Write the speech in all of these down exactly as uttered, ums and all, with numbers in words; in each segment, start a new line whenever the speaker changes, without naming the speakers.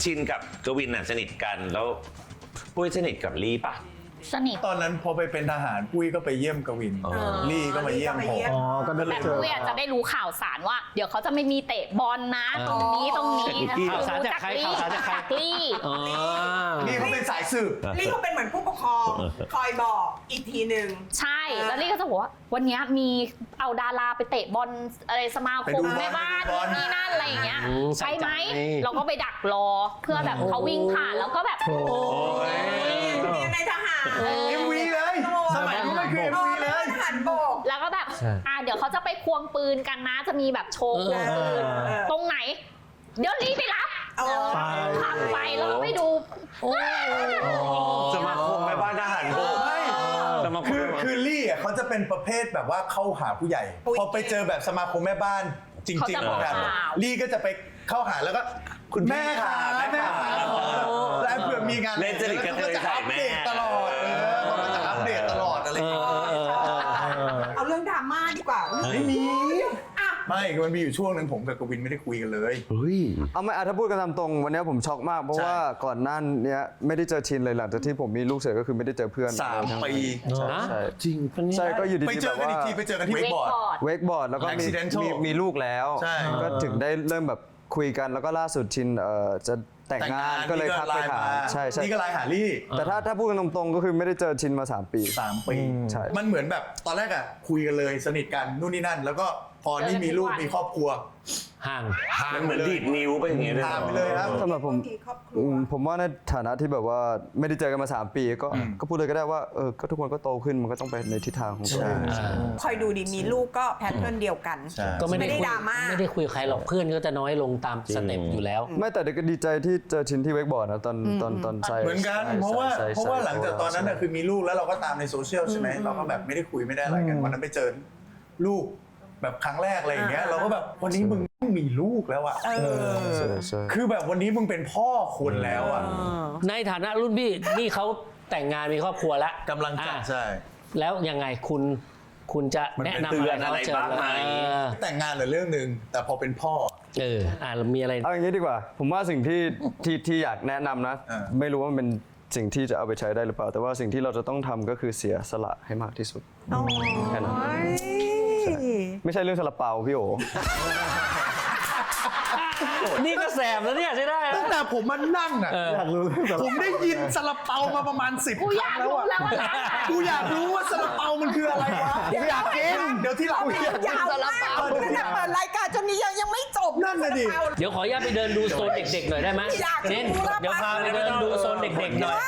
ชินกับกวินน่ะสนิทกันแล้วปุ้ยสนิทกับลี่ปะ
สนิท
ตอนนั้นพอไปเป็นทหารปุ้ยก็ไปเยี่ยมกวินลี่ก็มาเยี่ยมผม
อ๋อก็ได้
แต่
เจอ
ปุ้ยจะได้รู้ข่าวสารว่าเดี๋ยวเขาจะไม่มีเตะบอลนะตรงนี้ตรงนี้
ข่าวสารจากใครข่าวสารจากใคร
ลี่
นี่เขาเป็นสายสืบ
ลี่เขาเป็นเหมือนผู้ปกครองคอยบอกอีกทีหนึ่ง
ใช่แล้วลี่ก็จะบอกว่าวันนี้มีเอาดาราไปเตะบอลอะไรสมาคมแม่บ้านนี่นั่นอะไรอย่างเงี้ยใช่ไหมเราก็ไปดักรอเพื่อแบบเขาวิ่งผ่านแล้วก็แบบโอ้
ยเรียนในทหาร
เอ็มวีเลยสมัยนู้นมันคือเอ็มวีเลย
ทหารบก
แล้วก็แบบอ่าเดี๋ยวเขาจะไปควงปืนกันนะจะมีแบบโชว์ควงปืนตรงไหนเดี๋ยวรีบไปรับขับไปแล้วก็ไปดู
สมาคมแม่บ้านทหารบก
คือคือลี่อ่ะเขาจะเป็นประเภทแบบว่าเข้าหาผู้ใหญ่พอไปเจอแบบสมาคมแม่บ้านจริงๆแบบลี่ก็จะไปเข้าหาแล้วก็คุณแม่ค่ะแม่ค่ะแล้วเผื่อมีงาน
เล่นจริตกันเลยใส่แม่
ตลอดเออเขาจะอัปเดตตลอดอะไรอย่างเงี้ย
เอาเรื่องดราม่าดีกว่า
ไม่มีไม่มันมีอยู่ช่วงหนึ่งผมกับกวินไม่ได้คุยกันเลย
เอาไม่ถ้าพูดกันตามตรงวันนี้ผมช็อกมากเพราะว่าก่อนหน้านี้ไม่ได้เจอชินเลยหลังจากที่ผมมีลูกเสร็จก็คือไม่ได้เจอเพื่อน
สามปี
ใช่
จริง
ใช่ก็อยู่ดีๆ
ไปเจอกันอีกทีไปเจอกันที่เวกบอร์ด
เวกบอร์ดแล้วก็มีมีมีลูกแล้วก็ถึงได้เริ่มแบบคุยกันแล้วก็ล่าสุดชินเอ่อจะแต่งงานก็เลยทักไปถามใช่ใช่
นี่ก็ไลน์หาลี่
แต่ถ้าถ้าพูดกันตรงๆก็คือไม่ได้เจอชินมาสามปี
สามปี
ใช่
มันเหมือนแบบตอนแรกอ่ะคุยกันเลยสนิทกันนู่นนี่นั่นแล้วก็พอนี่มีลูกมีครอบครัว
ห่าง
มันเหมือนดีดนิ้วไปอย่างเงี้ยเลย
ห่างไปเลยครับ
สำหรับผมผมว่าในฐานะที่แบบว่าไม่ได้เจอกันมาสามปีก็ก็พูดเลยก็ได้ว่าเออก็ทุกคนก็โตขึ้นมันก็ต้องไปในทิศทางของตัวเอง
คอยดูดิมีลูกก็แพทเทิร์นเดียวกัน
ก็ไม่ได้
ดราม่า
ไม่ได้คุยใครหรอกเพื่อนก็จะน้อยลงตามสเต็ปอยู่แล้ว
ไม่แต่ก็ดีใจที่เจอชินที่เวกบอร์ดนะตอนตอนตอนใส่
เหมือนกันเพราะว่าเพราะว่าหลังจากตอนนั้นคือมีลูกแล้วเราก็ตามในโซเชียลใช่ไหมเราก็แบบไม่ได้คุยไม่ได้อะไรกันวันนั้นไปเจอลูกแบบครั้งแรกอะไรอย่างเงี้ยเราก็แบบวันนี้มึงมีลูกแล้วอ่ะคือแบบวันนี้มึงเป็นพ่อคนแล้วอ่ะ
ในฐานะรุ่นพี่นี่เขาแต่งงานมีครอบครัวแล้ว
กำลังจะใช่
แล้วยังไงคุณคุณจะแนะนำอะไรเขาเจอไหม
แต่งงานเหรือเรื่องหนึ่งแต่พอเป็นพ่อ
เอออ่ามีอะไร
เอาอย่างนี้ดีกว่าผมว่าสิ่งที่ที่ที่อยากแนะนำนะไม่รู้ว่ามันเป็นสิ่งที่จะเอาไปใช้ได้หรือเปล่าแต่ว่าสิ่งที่เราจะต้องทำก็คือเสียสละให้มากที่สุดแค่นั้นไม่ใช่เรื่องซาลาเปาพี่โอ
นี่ก็แสบแล้วเนี่ยใช่ได้
ตั้งแต่ผมมานั่งอ่ะผมได้ยินซาลาเปามาประมาณสิบครั้งแล้วอ่ะกูอยากรู้ว่าซาลาเปามันคืออะไรวะกูอยากกินเดี๋ยวที่หลังอยากกินซาลาเปา
ขนาดเปิดรายการจนนี้ยังไม่จบ
นั่นเลยดิ
เดี๋ยวขออนุญาตไปเดินดูโซนเด็กๆหน่อยได้ไหมเน้นเดี๋ยวพาไปเดินดูโซนเด็กๆหน่อย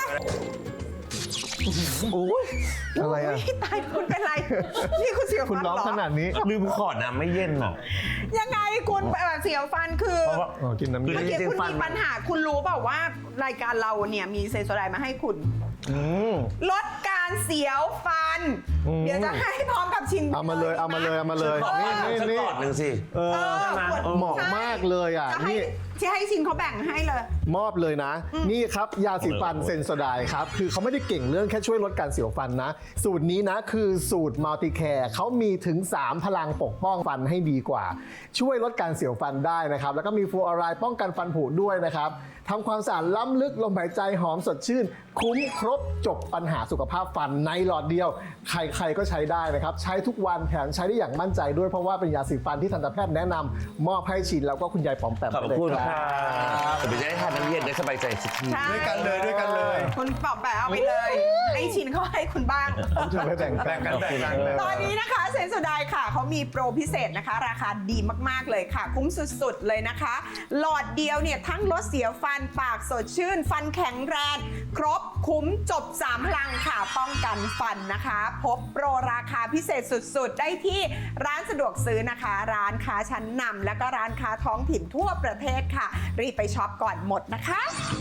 อะไรอ่ะ
ตายคุณเป็นไรนี่คุณเสียวฟันเหรอคุณ
ร้องขนาดนี้
ลืมขอน้ำไม่เย็นหรอ
ยังไงคุณเสียวฟันคือ
กินน้ำเย็น
เมื่อกี้คุณมีปัญหาคุณรู้เปล่าว่ารายการเราเนี่ยมีเซนโซไดมาให้คุณลดการเสียวฟันเดี๋ยวจะให้พร้อมกับชิน
เอามาเลยเอามาเลยเอามาเลย
นี่นี่นี่ก่อนหนึ่งสิ
เออเหมาะมากเลยอ่ะนี่
ที่ให้ชินเขาแบ่งให้เลย
มอบเลยนะนี่ครับยาสีฟันเซนโซไดครับคือเขาไม่ได้เก่งเรื่องแค่ช่วยลดการเสียวฟันนะสูตรนี้นะคือสูตรมัลติแคร์เขามีถึงสามพลังปกป้องฟันให้ดีกว่าช่วยลดการเสียวฟันได้นะครับแล้วก็มีฟลูออไรด์ป้องกันฟันผุด้วยนะครับทำความสะอาดล้ำลึกลมหายใจหอมสดชื่นคุ้มครบจบปัญหาสุขภาพฟันในหลอดเดียวใครๆก็ใช้ได้นะครับใช้ทุกวันแถมใช้ได้อย่างมั่นใจด้วยเพราะว่าเป็นยาสีฟันที่ทันตแพทย์แนะนำมอบให้ชินแล้วก็คุณยายป๋อมแปม
ขอบคุณครับจะไปได้ทานน้ำเย็นได้สบายใจสักที
ด้วยกันเลยด้วยกันเลย
คุณป๋อมแปมเอาไปเลยให้ชินเขาให้คุณบ้าง
จะไปแบ่งแบ่งกันแบ่งกัน
ตอนนี้นะคะเซนโซไดค่ะเขามีโปรพิเศษนะคะราคาดีมากๆเลยค่ะคุ้มสุดๆเลยนะคะหลอดเดียวเนี่ยทั้งลดเสียวฟันปากสดชื่นฟันแข็งแรงครบคุ้มจบสามพลังค่ะป้องกันฟันนะคะพบโปรราคาพิเศษสุดๆได้ที่ร้านสะดวกซื้อนะคะร้านค้าชั้นนำและก็ร้านค้าท้องถิ่นทั่วประเทศค่ะรีบไปช็อปก่อนหมดนะคะ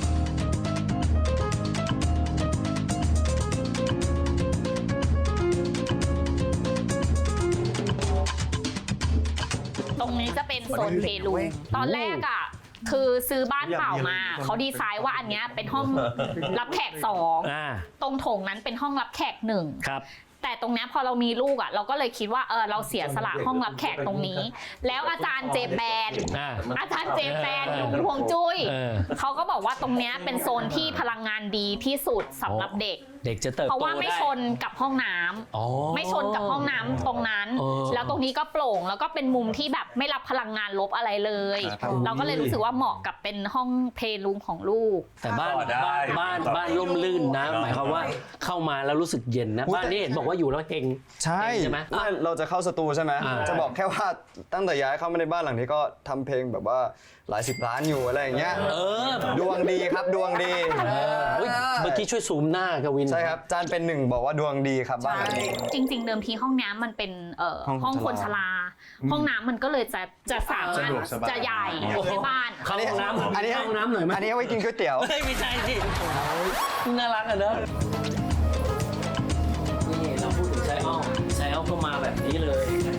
ตรงนี้จะเป็นโซนเพลูตอนแรกอ่ะคือซื้อบ้านเปล่ามาเขาดีไซน์ว่าอันนี้เป็นห้องรับแขกสองตรงโถงนั้นเป็นห้องรับแขกหนึ่งแต่ตรงเนี้ยพอเรามีลูกอ่ะเราก็เลยคิดว่าเออเราเสียสละห้องรับแขกตรงนี้ แล้วอาจารย์เจแปน
อ่า
อาจารย์เจแปนลุงฮวงจุ้ย
เออ
เขาก็บอกว่าตรงเนี้ยเป็นโซนที่พลังงานดีที่สุดสำหรับเด็ก
เด็กจะเติบโต
เพราะว่าไม่
ได้
ชนกับห้องน้ำ
อ๋อ
ไม่ชนกับห้องน้ำตรงนั้น
เออ
แล้วตรงนี้ก็โปร่งแล้วก็เป็นมุมที่แบบไม่รับพลังงานลบอะไรเลย
ครับ
เราก็เลยรู้สึกว่าเหมาะกับเป็นห้องเพลย์รูมของลูก
แต่บ้าน
ต่อได้
บ้านบ้านบ้านร่มรื่นนะ หมายความว่าเข้ามาแล้วรู้สึกเย็นนะบ้านนี้เห็นบอกว่าอยู่แล้วเฮง
ใช่
ใช่ไหม
ไม่เราจะเข้าสตูใช่ไหม
อ่า
จะบอกแค่ว่าตั้งแต่ย้ายเข้ามาในบ้านหลังนี้ก็ทำเพลงแบบว่าหลายสิบล้านอยู่อะไรอย่างเงี้ย
เออ
ดวงดีครับดวงดี
เออเฮ้ยเมื่อกี้ช่วยซูมหน้ากวิน
ใช่ครับจานเป็นหนึ่งบอกว่าดวงดีครับบ้านหลังนี้
จริง ๆ เดิมทีห้องน้ำมันเป็นเอ่อ
ห้อง
ห้องคนชรา ห้องน้ำมันก็เลยจะจะสามารถ
สะดวกสบาย
จะใหญ่ในบ้าน
เข้าห้องน้ำ
อันนี้
เข้าห้องน้ำหน่อยไหม
อันนี้เอาไว้กินก๋วยเตี๋ยว
เฮ้ยไม่ใช่สิน่ารักอ่ะเนอะนี่เราพูดถึงไซออลไซออลก็มาแบบนี้เลย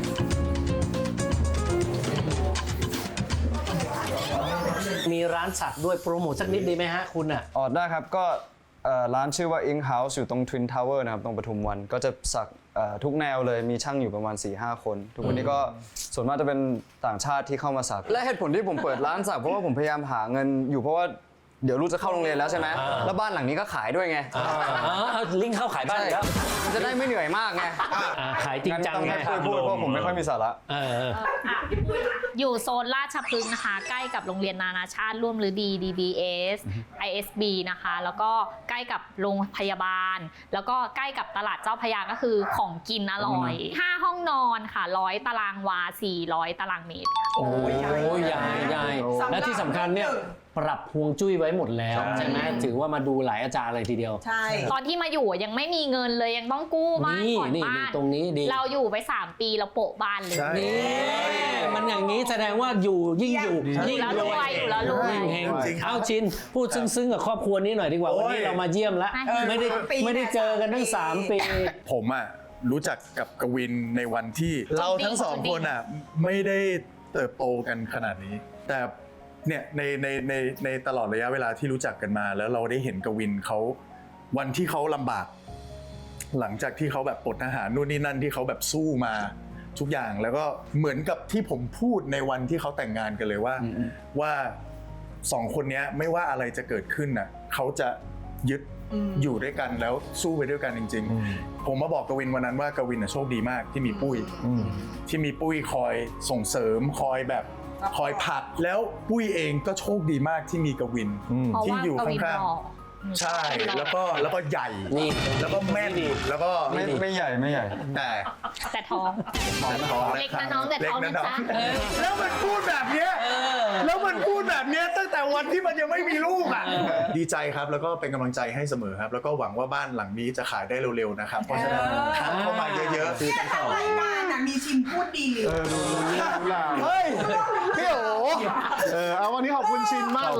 มีร้านสักด้วยโปรโมทสักนิดดีไหมฮะคุณอ่ะ
ออดได้ครับก็เอ่อร้านชื่อว่า Ink House อยู่ตรง Twin Tower นะครับตรงปทุมวันก็จะสักเอ่อทุกแนวเลยมีช่างอยู่ประมาณ สี่ห้า คน ทุกวันนี้ก็ส่วนมากจะเป็นต่างชาติที่เข้ามาสัก และเหตุผลที่ผมเปิดร้านสักเพราะว่าผมพยายามหาเงินอยู่เพราะว่าเดี๋ยวลูกจะเข้าโรงเรียนแล้วใช่ไหม
อ่า
แล้วบ้านหลังนี้ก็ขายด้วยไง
อ่าเอาลิงก์เข้าขายบ้านอีกแล้ว
มันจะได้ไม่เหนื่อยมากไง
อ่าขายจริงจัง
ต้อง
ไง
ค่อยๆพูดเพราะผมไม่ค่อยมีสาระ
เออเออ
อยู่โซนราชพฤกษ์นะคะ ใกล้กับโรงเรียนนานาชาติร่วมฤดี ดี บี เอส ไอ เอส บี นะคะ แล้วก็ใกล้กับโรงพยาบาล แล้วก็ใกล้กับตลาดเจ้าพระยาก็คือของกินอร่อยห้าห้องนอนค่ะร้อยตารางวาสี่ร้อยตารางเมตร
โอ้ยใหญ่ใหญ่และที่สำคัญเนี่ยปรับฮวงจุ้ยไว้หมดแล้วใช่ไหมถือว่ามาดูหลายอาจารย์เลยทีเดียว
ใช่
ตอนที่มาอยู่ยังไม่มีเงินเลยยังต้องกู้บ้าน
นี่
ผ่อน
นี่
บ้า
นี่
น
ตรงนี้ดี
เราอยู่ไปสามปีเราโปะบ้านเลย
ใช่
นี่มันอย่างนี้แสดงว่าอยู่ยิ่งอยู่ยิ่ง
แล้วรวยอยู่แล้วรวย
ยิ่งเฮง
จริงครับ
เอาชินพูดซึ้งๆกับครอบครัวนี้หน่อยดีกว่า
โอ้ย
วันนี้เรามาเยี่ยมแล้ว
เออ
ไม่ได้
สามปี
ไม่ได้เจอกันทั้งสามปี
ผมอ่ะรู้จักกับกวินในวันที่เราทั้งสองคนอ่ะไม่ได้เติบโตกันขนาดนี้ แต่เนี่ยในในในในตลอดระยะเวลาที่รู้จักกันมา แล้วเราได้เห็นกวินเขาวันที่เขาลำบาก หลังจากที่เขาแบบปลดทหารนู่นนี่นั่นที่เขาแบบสู้มาทุกอย่างแล้วก็เหมือนกับที่ผมพูดในวันที่เขาแต่งงานกันเลยว่าว่าสองคนเนี้ยไม่ว่าอะไรจะเกิดขึ้นน่ะเขาจะยึดอยู่ด้วยกันแล้วสู้ไปด้วยกันจริง ๆ ผมมาบอกกวินวันนั้นว่ากวินน่ะโชคดีมากที่มีปุ้ยที่มีปุ้ยคอยส่งเสริมคอยแบบคอยผลักแล้วปุ้ยเองก็โชคดีมากที่มีกวิน
เพราะ
ที่
ว่า
อยู่
กวิน
ข้าง
หล่อ
ๆใช่แล้วก็แล้วก็ใหญ่
นี่
แล้วก็แม่นแล้วก็
ไม่ไม่ใหญ่ไม่ใหญ่
แต่
แต่ท้อง เล็กนะน้องแต่ท้องนะจ๊ะ
แล้วมันพูดแบบเนี้ยแล้วมันพูดแบบเนี้ยตั้งแต่วันที่มันยังไม่มีลูกอ่ะดีใจครับแล้วก็เป็นกำลังใจให้เสมอครับ แล้วก็หวังว่าบ้านหลังนี้จะขายได้เร็วๆนะครับเพราะฉะนั้นทักเข้ามาเยอะๆ
เนี่ยทางรายการน่ะมีชิมพูดดี
เออดูดูนี่ดูล่าเฮ้ยพี่โอเออเอาวันนี้ขอบคุณชินมากเลย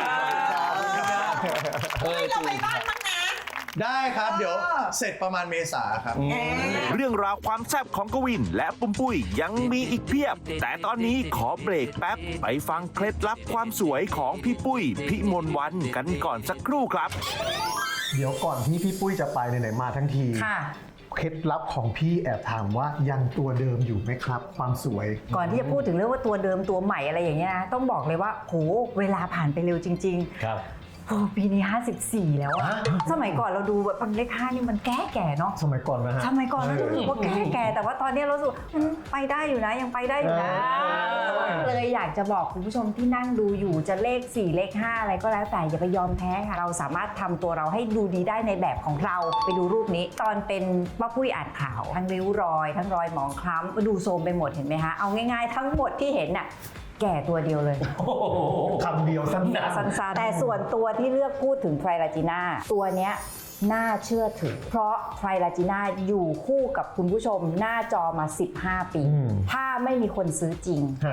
เออ
เราไปบ้านมั้งนะ
ได้ครับเดี๋ยวเสร็จประมาณเมษาครับ
เรื่องราวความแซ่บของกวินและปุ้มปุ้ยยังมีอีกเพียบ แต่ตอนนี้ขอเบรกแป๊บ ไปฟังเคล็ดลับความสวยของพี่ปุ้ยพี่มนต์วันกันก่อนสักครู่ครับ
เดี๋ยวก่อนที่พี่ปุ้ยจะไปไหนๆมาทั้งที
ค่ะ
เคล็ดลับของพี่แอบถามว่ายังตัวเดิมอยู่ไหมครับ ความสวย
ก่อนที่จะพูดถึงเรื่องว่าตัวเดิมตัวใหม่อะไรอย่างเงี้ยนะต้องบอกเลยว่าโหเวลาผ่านไปเร็วจริง
ครับ
ๆโอ้ปีนี้ห้าสิบสี่แล้วอะสมัยก่อนเราดูแบบเลขห้านี่มันแก่แก่ๆเนาะ
สมัยก่อนนะฮะ
สมัยก่อนเราดูว่าแก่แก่ๆแต่ว่าตอนนี้เราสูมันไปได้อยู่นะยังไปได้อยู่นะ
เออ
เลยอยากจะบอกคุณผู้ชมที่นั่งดูอยู่จะเลขสี่เลขห้าอะไรก็แล้วแต่อย่าไปยอมแพ้ค่ะเราสามารถทำตัวเราให้ดูดีได้ในแบบของเราไปดูรูปนี้ ตอนเป็นป้าปุ้ยอ่านข่าวทั้งริ้วรอย ทั้งรอยหมองคล้ำดูโทรมไปหมดเห็นไหมคะเอาง่ายๆทั้งหมดที่เห็นน่ะแก่ตัวเดียวเลย
คำเดียวสั้นๆ
สั้นๆแต่ส่วนตัวที่เลือกพูดถึงไทรลาจีน่าตัวเนี้ยน่าเชื่อถือ เพราะไทรลาจีน่าอยู่คู่กับคุณผู้ชมหน้าจอมาสิบห้าปี
อืม
ถ้าไม่มีคนซื้อจริง
ฮะ
ถ้า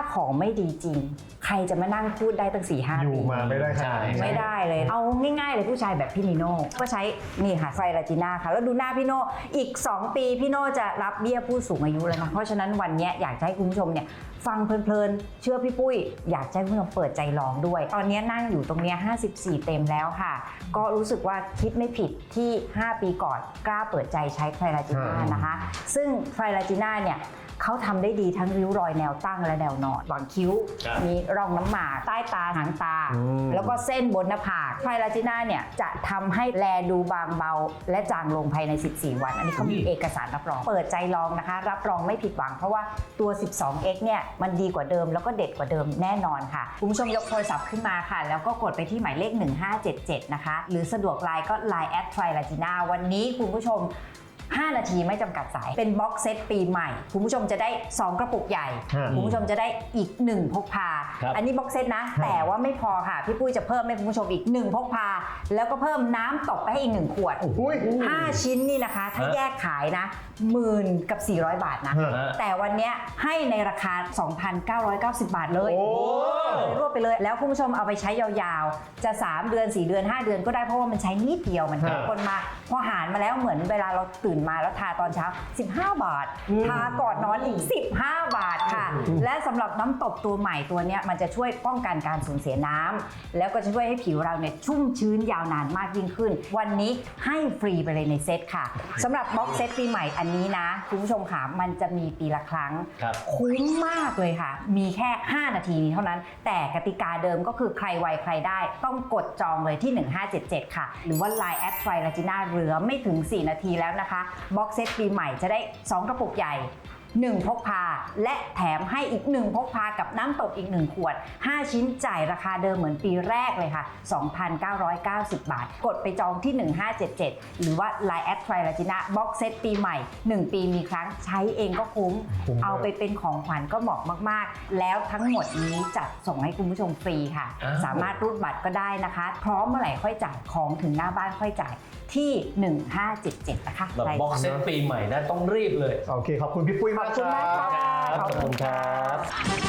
ของไม่ดีจริง ใครจะมานั่งพูดได้ตั้งสี่ห้า
อยู่
ปี
มาไม่ได้ขนาดนี้
ไม่ได้เลย เอาง่ายๆเลยผู้ชายแบบพี่นิโน่ก็ใช้นี่ค่ะไฟลาจิน่าค่ะแล้วดูหน้าพี่โน่อีก สอง ปีพี่โน่จะรับเบี้ยผู้สูงอายุแล้วนะเพราะฉะนั้นวันนี้อยากจะให้คุณผู้ชมเนี่ยฟังเพลินๆเชื่อพี่ปุ้ยอยากให้คุณผู้ชมเปิดใจลองด้วย ตอนนี้นั่งอยู่ตรงนี้ห้าสิบสี่เต็มแล้วค่ะก็รู้สึกว่าคิดไม่ผิดที่ห้าปีก่อนกล้าเปิดใจใช้ไฟลาจิน่านะคะซึ่งไฟลาจิน่าเนี่ยเขาทำได้ดีทั้งริ้วรอยแนวตั้งและแนวนอนหว่างคิ้วมีร่องน้ำหมากใต้ตาหางตาแล้วก็เส้นบนหน้าผากไฟลาจิน่าเนี่ยจะทำให้แลดูบางเบาและจางลงภายในสิบสี่วันอันนี้เขามีเอกสารรับรองเปิดใจลองนะคะรับรองไม่ผิดหวังเพราะว่าตัว สิบสองเอ็กซ์ เนี่ยมันดีกว่าเดิมแล้วก็เด็ดกว่าเดิมแน่นอนค่ะคุณผู้ชมยกโทรศัพท์ขึ้นมาค่ะแล้วก็กดไปที่หมายเลขหนึ่งห้าเจ็ดเจ็ดนะคะหรือสะดวกไลน์ก็ ไลน์ แอท ไฟลาจิน่าวันนี้คุณผู้ชมห้านาทีไม่จำกัดสายเป็นบ็อกเซตปีใหม่คุณผู้ชมจะได้สองกระปุกใหญ่คุณผู้ชมจะได้อีกหนึ่งพกพาอันนี้บ็อกเซตนะแต่ว่าไม่พอค่ะพี่ปุ้ยจะเพิ่มให้คุณผู้ชมอีกหนึ่งพกพาแล้วก็เพิ่มน้ำตกไปให้อีกหนึ่งขวดห้าชิ้นนี่นะคะถ้าแยกขายนะหมื่นกับสี่ร้อยบาทนะแต่วันนี้ให้ในราคา สองพันเก้าร้อยเก้าสิบบาทเลยรวบไปเลยแล้วคุณผู้ชมเอาไปใช้ยาวๆจะสามเดือนสี่เดือนห้าเดือนก็ได้เพราะว่ามันใช้นิดเดียวมันเข้มข้นมากพอหารมาแล้วเหมือนเวลาเราตื่นมาแล้วทาตอนเช้าสิบห้าบาททาก่อนนอนอีกสิบห้าบาทค่ะและสำหรับน้ำตบตัวใหม่ตัวนี้มันจะช่วยป้องกันการสูญเสียน้ำแล้วก็จะช่วยให้ผิวเราเนี่ยชุ่มชื้นยาวนานมากยิ่งขึ้นวันนี้ให้ฟรีไปเลยในเซตค่ะสำหรับบ็อกเซตปีใหม่อันนี้นะคุณผู้ชมค่ะมันจะมีปีละครั้งคุ้มมากเลยค่ะมีแค่ห้านาทีนี้เท่านั้นแต่กติกาเดิมก็คือใครไวใครได้ต้องกดจองเลยที่หนึ่งห้าเจ็ดเจ็ดค่ะหรือว่า ไลน์ แอท ไฟลาจิน่าเหลือไม่ถึงสี่นาทีแล้วนะคะบ็อกเซตปีใหม่จะได้สองกระปุกใหญ่หนึ่งพกพาและแถมให้อีกหนึ่งพกพากับน้ำตบอีกหนึ่งขวดห้าชิ้นจ่ายราคาเดิมเหมือนปีแรกเลยค่ะ สองพันเก้าร้อยเก้าสิบบาทกดไปจองที่หนึ่งห้าเจ็ดเจ็ดหรือว่า ไลน์ แอท ไฟลาจิน่าบ็อกเซตปีใหม่หนึ่งปีมีครั้งใช้เองก็คุ้มเอาไปเป็นของขวัญก็เหมาะมากๆแล้วทั้งหมดนี้จัดส่งให้คุณผู้ชมฟรีค่ะสามารถรูดบัตรก็ได้นะคะพร้อมเมื่อไหร่ค่อยจ่ายของถึงหน้าบ้านค่อยจ่ายที่หนึ่งห้าเจ็ดเจ็ดนะคะ
แบบบ็อกเซตปีใหม่นะต้องรีบเลย
โอเคขอบคุณพี่ปุ้ยมาก
ขอบคุณมากค่ะ
ขอบคุณครับ